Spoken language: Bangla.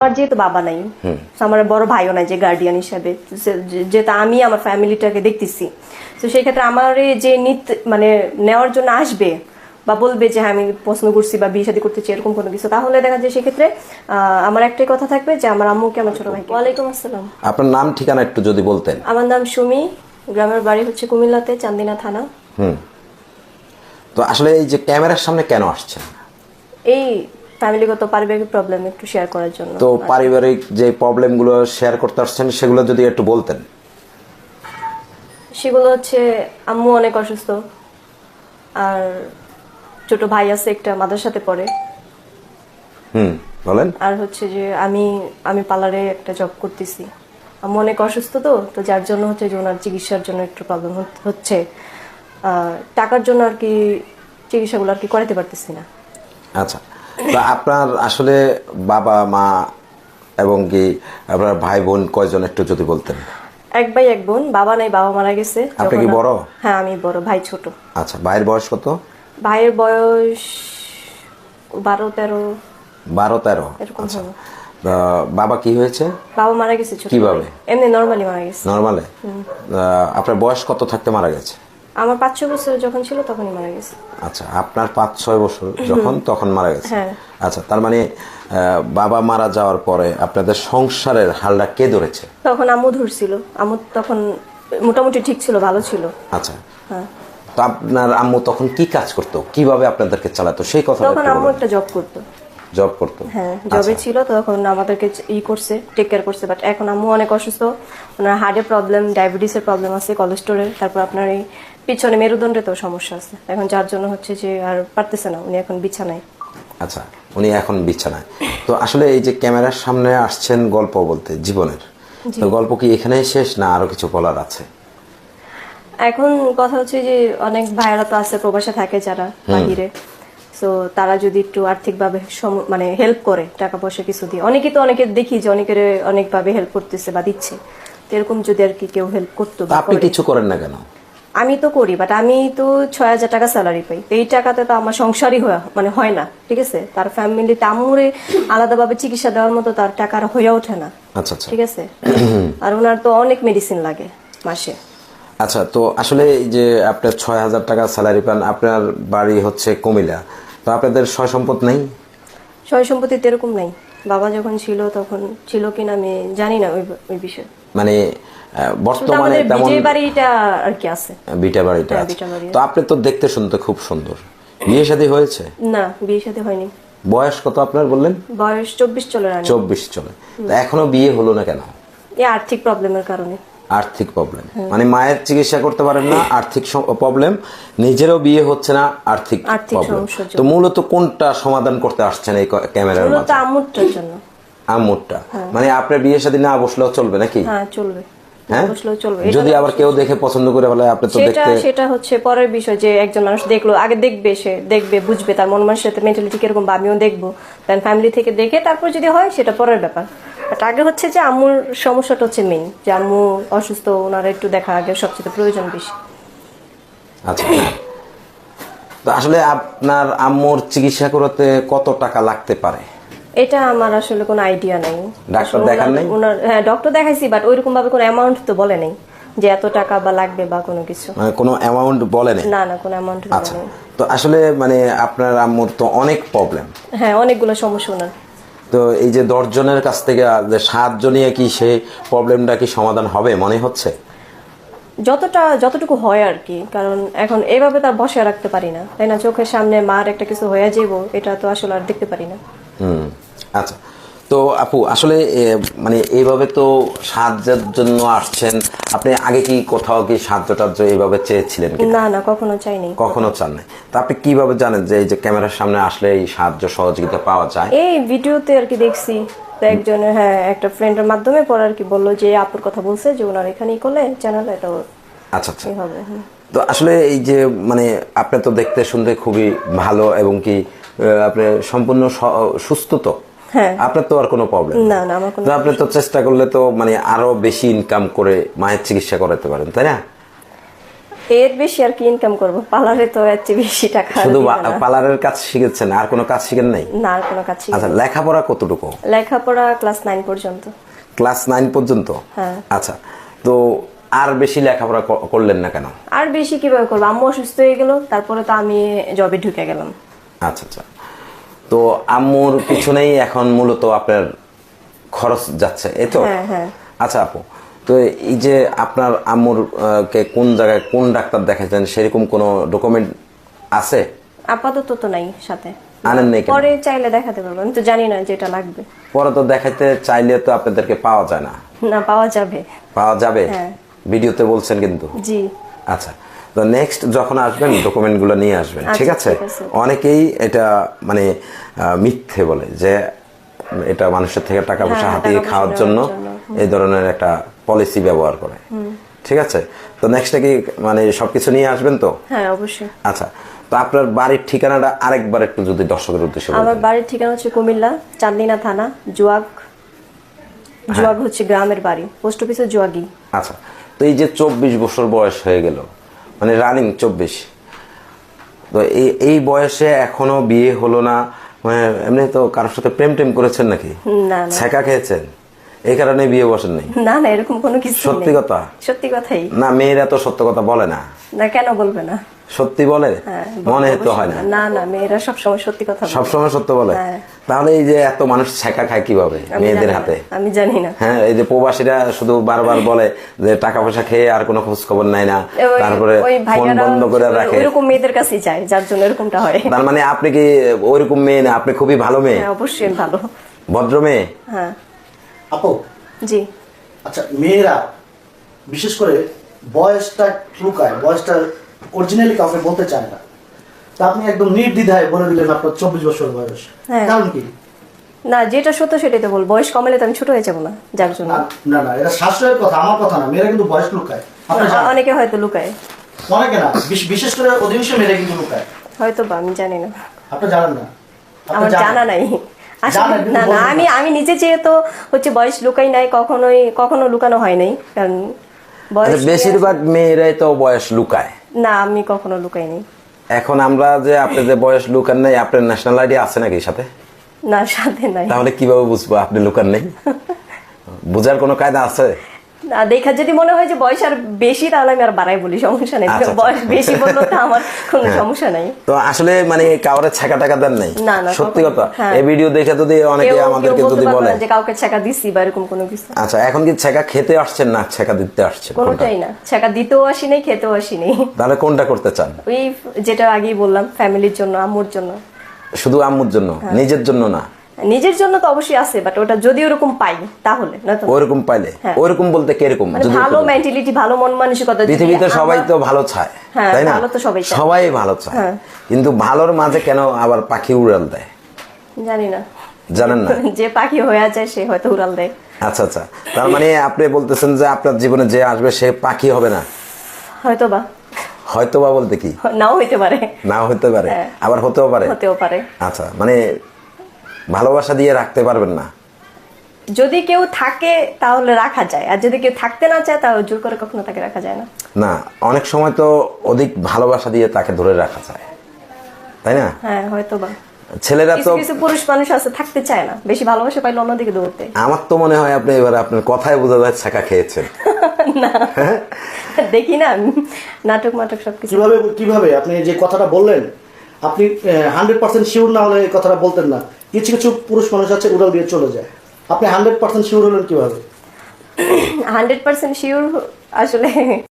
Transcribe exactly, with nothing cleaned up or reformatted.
আমার যেহেতু বাবা নাই, আমার বড় ভাইও নাই যে গার্ডিয়ান হিসাবে, যেটা আমি আমার ফ্যামিলিটাকে দেখতেছি, তো সেই ক্ষেত্রে আমার যে নিত মানে নেওয়ার জন্য আসবে বা বলবে যে হ্যাঁ আমি পছন্দ করছি বা বিয়ে শাদী করতে চাই এরকম কোনো কিছু, তাহলে দেখা যায় সেক্ষেত্রে আমার একটাই কথা থাকবে যে আমার আম্মুকে আমার ছোট ভাই। ওয়ালাইকুম আসসালাম। আপনার নাম ঠিকানা একটু যদি বলতেন। আমার নাম সুমি, গ্রামের বাড়ি হচ্ছে কুমিল্লাতে, চান্দিনা থানা। হুম তো আসলে এই যে ক্যামেরার সামনে কেন আসছেন? এই ফ্যামিলিগত পারিবারিক প্রবলেম একটু শেয়ার করার জন্য। তো পারিবারিক যে প্রবলেমগুলো শেয়ার করতে আসছেন সেগুলো যদি একটু বলতেন। সেগুলো হচ্ছে আম্মু অনেক অসুস্থ, আর ছোট ভাই আছে একটা মাদ্রাসাতে পড়ে। হুম বলেন। আর হচ্ছে যে আমি আমি পার্লারে একটা জব করতেছি। আম্মু অনেক অসুস্থ, তো তো যার জন্য হচ্ছে যে ওনার চিকিৎসার জন্য একটু প্রবলেম হচ্ছে, টাকার জন্য আর কি চিকিৎসাগুলো আর কি করাতে পারতেছি না। আচ্ছা, তো আপনার আসলে বাবা মা এবং কি আপনার ভাই বোন কয়জন একটু যদি বলতেন। এক ভাই এক বোন, বাবা নাই, বাবা মারা গেছে। আপনি কি বড়? হ্যাঁ আমি বড়, ভাই ছোট। আচ্ছা, ভাইয়ের বয়স কত? ভাইয়ের বয়স বারো তেরো। বারো তেরো আচ্ছা, বাবা কি হয়েছে? বাবা মারা গেছে ছোট। কিভাবে? এমনি নরমালি মারা গেছে। নরমালে? আপনার বয়স কত থাকতে মারা গেছে? আমার পাঁচ ছয় বছর যখন ছিল তখনই মারা গেছে। আচ্ছা, আপনার পাঁচ ছয় বছর যখন তখন মারা গেছে। হ্যাঁ। আচ্ছা, তার মানে বাবা মারা যাওয়ার পরে আপনাদের সংসারের হালটা কে ধরেছে? তখন আম্মু ধরছিল। আম্মু তখন মোটামুটি ঠিক ছিল, ভালো ছিল। আচ্ছা, হ্যাঁ। তো আপনার আম্মু তখন কি কাজ করতো, কিভাবে আপনাদেরকে চালাতো সেই কথা? তখন আম্মু একটা জব করতো। জব করতো? হ্যাঁ, জবে ছিল, তখন আমাদেরকে ই করছে, টেক কেয়ার করছে। বাট এখন আম্মু অনেক অসুস্থ, ওনার হার্টের প্রবলেম, ডায়াবেটিসের প্রবলেম আছে, কোলেস্টোরের, তারপর আপনার এই পিছনে মেরুদণ্ডে তো সমস্যা আছে এখন, যার জন্য হচ্ছে যে আর পারতেছে না, উনি এখন বিছানায়। আচ্ছা, উনি এখন বিছানায়। তো আসলে এই যে ক্যামেরার সামনে আসছেন গল্প বলতে জীবনের, তো গল্প কি এখানেই শেষ না আরো কিছু বলার আছে? এখন কথা হচ্ছে যে অনেক ভাইয়েরা তো আছে প্রবাসে থাকে যারা বাহিরে, তো তারা যদি একটু আর্থিকভাবে মানে হেল্প করে, টাকা পয়সা কিছু দিয়ে, অনেকে তো অনেকে দেখি যে অনেকের অনেকভাবে হেল্প করতেছে বা দিচ্ছে, তো এরকম যদি আর কি কেউ হেল্প করতো। আপনি কিছু করেন না কেন? আমি তো করি, বাট আমি তো ছয় হাজার টাকা স্যালারি পাই, এই টাকাতে তো আমার সংসারই মানে হয় না, ঠিক আছে। তার ফ্যামিলিতে আমুরে আলাদাভাবে চিকিৎসা দেওয়ার মতো তার টাকা হয়ে ওঠে না। আচ্ছা আচ্ছা, ঠিক আছে। আর ওনার তো অনেক মেডিসিন লাগে মাসে। আচ্ছা, তো আসলে এই যে আপনার ছয় হাজার টাকা স্যালারি পান, আপনার বাড়ি হচ্ছে কুমিল্লা, তো আপনাদের সয় সম্পদ নেই? সয় সম্পত্তি এরকম নাই, বাবা যখন ছিল তখন ছিল কিনা আমি জানি না ওই ওই বিষয়ে। মানে বর্তমানে তেমন বিজয় বাড়িটা আর কি আছে, বিটা বাড়িটা আছে। তো আপনি তো দেখতে শুনতে খুব সুন্দর, বিয়ে শাদী হয়েছে? না, বিয়ে শাদী হয়নি। বয়স কত আপনার বললেন? বয়স চব্বিশ চলে। চব্বিশ চলে। তো এখনো বিয়ে হলো না কেন? এই আর্থিক প্রবলেমের কারণে। আর্থিক প্রবলেম মানে মায়ের চিকিৎসা করতে পারেন না, আর্থিক প্রবলেম, নিজেরও বিয়ে হচ্ছে না, আর্থিক প্রবলেম। তো মূলত কোনটা সমাধান করতে আসছেন এই ক্যামেরার মাধ্যমে? মূলত আম্মুরটার জন্য। আম্মুরটা মানে আপনার বিয়ে শাদী না বসলেও চলবে নাকি? হ্যাঁ চলবে, হ্যাঁ বসলেও চলবে। যদি আবার কেউ দেখে পছন্দ করে বলে আপনি তো দেখতে, সেটা হচ্ছে পরের বিষয়, যে একজন মানুষ দেখলো, আগে দেখবে, সে দেখবে, বুঝবে তার মন মানসিকতা মেন্টালিটি কিরকম, বা আমিও দেখবো, দেন ফ্যামিলি থেকে দেখে তারপর যদি হয় সেটা পরের ব্যাপার। বাট আগে হচ্ছে যে আম্মুর সমস্যাটা হচ্ছে মেইন, যে আম্মু অসুস্থ, ওনারা একটু দেখা আগে সবচেয়ে প্রয়োজন বেশি। আচ্ছা, তো আসলে আপনার আম্মুর চিকিৎসা করতে কত টাকা লাগতে পারে? এটা আমার আসলে কোনো আইডিয়া নাই। ডাক্তার দেখান নাই? ওনার হ্যাঁ ডক্টর দেখাইছি, বাট ওইরকম ভাবে কোনো অ্যামাউন্ট তো বলে নাই যে এত টাকা বা লাগবে বা কোনো কিছু, মানে কোনো অ্যামাউন্ট বলে নাই? না না, কোনো অ্যামাউন্ট বলে নাই। তো আসলে মানে আপনার আম্মুর তো অনেক প্রবলেম। হ্যাঁ, অনেকগুলো সমস্যা ওনার। তো এই যে দশ জনের কাছ থেকে সাহায্য নিয়ে কি সেই প্রবলেমটা কি সমাধান হবে মনে হচ্ছে? যতটা যতটুকু হয় আর কি, কারণ এখন এইভাবে তার বসে রাখতে পারি না, তাই না। চোখের সামনে মার একটা কিছু হয়ে যাবো, এটা তো আসলে আর দেখতে পারি না। হুম আচ্ছা, তো আপু আসলে মানে এইভাবে তো সাহায্যের জন্য আসছেন, আপনি আগে কি কোথাও কি সাহায্য টাহ্য এইভাবে চেয়েছিলেন? না না, কখনো চাইনি। কখনো চান নাই? তো আপনি কিভাবে জানেন যে এই যে ক্যামেরার সামনে আসলে এই সাহায্য সহযোগিতা পাওয়া যায়? এই ভিডিওতে আর কি দেখছি, তো একজনের হ্যাঁ একটা ফ্রেন্ডের মাধ্যমে পরে আর কি বললো যে আপুর কথা বলছে যে ওনার এখানেই করলে চ্যানেল এটা। আচ্ছা আচ্ছা, তো আসলে এই যে মানে আপনি তো দেখতে শুনতে খুবই ভালো এবং কি আপনি সম্পূর্ণ সুস্থ, তো হ্যাঁ আপনার তো আর কোনো প্রবলেম না না, আমার কোনো, আপনি তো চেষ্টা করলে তো মানে আরো বেশি ইনকাম করে মায়ের চিকিৎসা করাতে পারেন, তাই না? এর বেশি আর কি ইনকাম করব, পার্লারে তো এর চেয়ে বেশি টাকা শুধু দিবে না। পার্লারের কাজ শিখেছেন, আর কোনো কাজ শিখেন নাই? না, আর কোনো কাজ শিখিনি। আচ্ছা, লেখাপড়া কতটুকু? লেখাপড়া ক্লাস নাইন পর্যন্ত। ক্লাস নাইন পর্যন্ত? হ্যাঁ। আচ্ছা, তো আর বেশি লেখাপড়া ক- করলেন না কেন? আর বেশি কিভাবে করবো, আম্মু অসুস্থ হয়ে গেল, তারপরে তো আমি জবে ঢুকে গেলাম। আচ্ছা আচ্ছা, তো আম্মুর পিছনেই এখন মূলত আপনার খরচ যাচ্ছে, এই তো? হ্যাঁ হ্যাঁ। আচ্ছা আপু, তো এই যে আপনার আম্মুর আহ, কে কোন জায়গায় কোন ডাক্তার দেখাচ্ছেন, সেরকম কোনো ডকুমেন্ট আছে? আপাতত তো নাই সাথে। আনেন নাই কেন? পরে চাইলে দেখাতে পারবো, আমি তো জানি না যেটা লাগবে। পরে তো দেখাইতে চাইলে তো আপনাদেরকে পাওয়া যায় না। না, পাওয়া যাবে। পাওয়া যাবে? হ্যাঁ। ভিডিওতে বলছেন কিন্তু। জি। আচ্ছা, তো নেক্সট যখন আসবেন ডকুমেন্টগুলো নিয়ে আসবেন, ঠিক আচ্ছা, আছে? ঠিক আছে। অনেকেই এটা মানে আহ, মিথ্যে বলে যে এটা মানুষের থেকে টাকা পয়সা হ্যাঁ, হাতিয়ে টাকা পয়সা খাওয়ার নেওয়ার জন্য জন্য। এই ধরনের একটা পলিসি ব্যবহার করে, ঠিক আছে? তো নেক্সটে কি মানে সবকিছু নিয়ে আসবেন তো? হ্যাঁ, অবশ্যই। আচ্ছা, তো আপনার বাড়ির ঠিকানাটা আরেকবার একটু যদি দর্শকের উদ্দেশ্যে আমার বলতেন। বাড়ির ঠিকানা হচ্ছে কুমিল্লা, চান্দিনা থানা, জুয়াগ। জুয়াগ হচ্ছে গ্রামের বাড়ি, পোস্ট অফিসে জুয়াগি। আচ্ছা, তো এই যে চব্বিশ বছর বয়স হয়ে গেল, মানে রানিং চব্বিশ, তো এই এই বয়সে এখনো বিয়ে হলো না, মানে এমনি তো কারোর সাথে প্রেম টেম করেছেন নাকি? না না ছেঁকা খেয়েছেন, এই কারণে বিয়ে বসেন নাই? না না, এরকম কোনো কিছু নেই। সত্যি কথা? সত্যি কথাই। না, মেয়েরা তো সত্য কথা বলে না। না, কেন বলবে না? সত্যি বলে? হ্যাঁ, মনে তো অবশ্যই। হয় না। না না, মেয়েরা সবসময় সত্যি কথা বলে। সবসময় সত্য বলে? হ্যাঁ। তাহলে এই যে এত মানুষ ছেঁকা খায় কিভাবে আমি মেয়েদের জানি না, হাতে? আমি জানি না। হ্যাঁ, এই যে প্রবাসীরা শুধু বারবার বলে যে টাকা পয়সা খেয়ে আর কোনো খোঁজ খবর নাই না, ওই- তারপরে ওই ফোন ভাইয়ারা বন্ধ করে রাখে। ওইরকম মেয়েদের কাছেই যায়, যার জন্য এরকমটা হয়। তার মানে আপনি কি ওইরকম মেয়ে না, আপনি খুবই ভালো মেয়ে, হ্যাঁ, অবশ্যই ভালো। ভদ্র মেয়ে? হ্যাঁ। আপু, জি। আচ্ছা, মেয়েরা বিশেষ করে বয়সটা লুকায়, বয়সটা অরিজিনালি কাউকে বলতে চায় না। তা আপনি একদম নির্দ্বিধায় বলে দিলেন আপনার চব্বিশ বছর বয়স, হ্যাঁ। কারণ কি? না, যেটা সত্য সেটাই তো বল, বয়স কমালে তো আমি ছোট হয়ে যাবো না, যার জন্য। না না না, এটা শাস্ত্রের কথা, আমার কথা না। মেয়েরা কিন্তু বয়স লুকায়, আপনি জানেন। অনেকে হয়তো লুকায়, অনেকে না, বিশ- বিশেষ করে অধিকাংশ মেয়েরা কিন্তু লুকায়, হয়তো বা, আমি জানি না, আপনি জানেন না। আপনি আমার জানেন। জানা নাই আসলে। জানেন, কিন্তু না না, বলবেন না। আমি আমি নিজে যেহেতু হচ্ছে বয়স লুকাই নাই, কখনোই কখনো লুকানো হয় নাই, কারণ বয়স আচ্ছা, বেশিরভাগ মেয়েরাই তো বয়স লুকায়। না, আমি কখনো লুকাই নাই। এখন আমরা যে আপনি যে বয়স লুকান নাই, আপনার ন্যাশনাল আইডি আছে নাকি সাথে? না, সাথে নাই। তাহলে কিভাবে বুঝবো আপনি লুকান নেই? বুঝার কোনো কায়দা আছে? না, দেখা যদি মনে হয় যে বয়স আর বেশি, তাহলে আমি আর বাড়াই বলি, সমস্যা নেই। আচ্ছা, আচ্ছা। বয়স বেশি বললো তো আমার কোনো সমস্যা নাই। তো আসলে মানে কাউরে ছেঁকা টাকা দেন নাই? না, না, সত্যি কখনো। কথা। হ্যাঁ। এই ভিডিও দেখে যদি অনেকে কেউ- আমাদেরকে কেউ বলতে যদি পারবে বলে না যে কাউকে ছেঁকা দিছি বা এরকম কোনো কিছু। আচ্ছা, এখন কি ছেঁকা খেতে আসছেন না ছেঁকা দিতে আসছেন? কোনটা? কোনোটাই না, ছেঁকা দিতেও আসি নাই, খেতেও আসি নাই। তাহলে কোনটা করতে চান? ওই যেটা আগেই বললাম, ফ্যামিলির জন্য, আম্মুর জন্য। শুধু আম্মুর জন্য, নিজের জন্য না? নিজের জন্য তো অবশ্যই আছে, বাট ওটা যদি ওরকম পাই তাহলে, নয়তো না। ওইরকম পাইলে? হ্যাঁ। ওইরকম বলতে কিরকম? মানে যদি ভালো একটু বলেন। মেন্টালিটি, ভালো মন মানসিকতা। যদি পৃথিবীতে সবাই আমার- তো ভালো চায়, হ্যাঁ, তাই না? ভালো তো সবাই চায়। সবাই ভালো চায়, হ্যাঁ। কিন্তু ভালোর মাঝে কেন আবার পাখি উড়াল দেয়? জানি না, জানেন না? যে পাখি হয়ে যায় সে হয়তো উড়াল দেয়। আচ্ছা আচ্ছা, তার মানে আপনি বলতেছেন যে আপনার জীবনে যে আসবে সে পাখি হবে না? হয়তো বা, হয়তো বা বলতে কি? নাও হইতে পারে। নাও হতে পারে, হ্যাঁ। আবার হতেও পারে। হতেও পারে। আচ্ছা, মানে ভালোবাসা দিয়ে রাখতে পারবেন না? যদি কেউ থাকে তাহলে রাখা যায়, আর যদি কেউ থাকতে না চায় তাহলে জোর করে কখনো তাকে রাখা যায় না। না, অনেক সময় তো অধিক ভালোবাসা দিয়ে তাকে ধরে রাখা যায়, তাই না? হ্যাঁ, হয়তো বা। ছেলেরা কিছু তো, কিছু পুরুষ মানুষ আছে থাকতে চায় না, বেশি ভালোবাসা পাইলে অন্যদিকে দৌড়তে। আমার তো মনে হয় আপনি এবার আপনার কথায় বোঝা যায় ছাকা খেয়েছেন। দেখি না, নাটক মাটক সবকিছু। কিভাবে কিভাবে আপনি যে কথাটা বললেন, আপনি হান্ড্রেড পার্সেন্ট শিওর না হলে এই কথাটা বলতেন না। কিছু কিছু পুরুষ মানুষ আছে উড়াল দিয়ে চলে যায়, আপনি হান্ড্রেড পার্সেন্ট শিওর হলেন কিভাবে? হান্ড্রেড পার্সেন্ট শিওর আসলে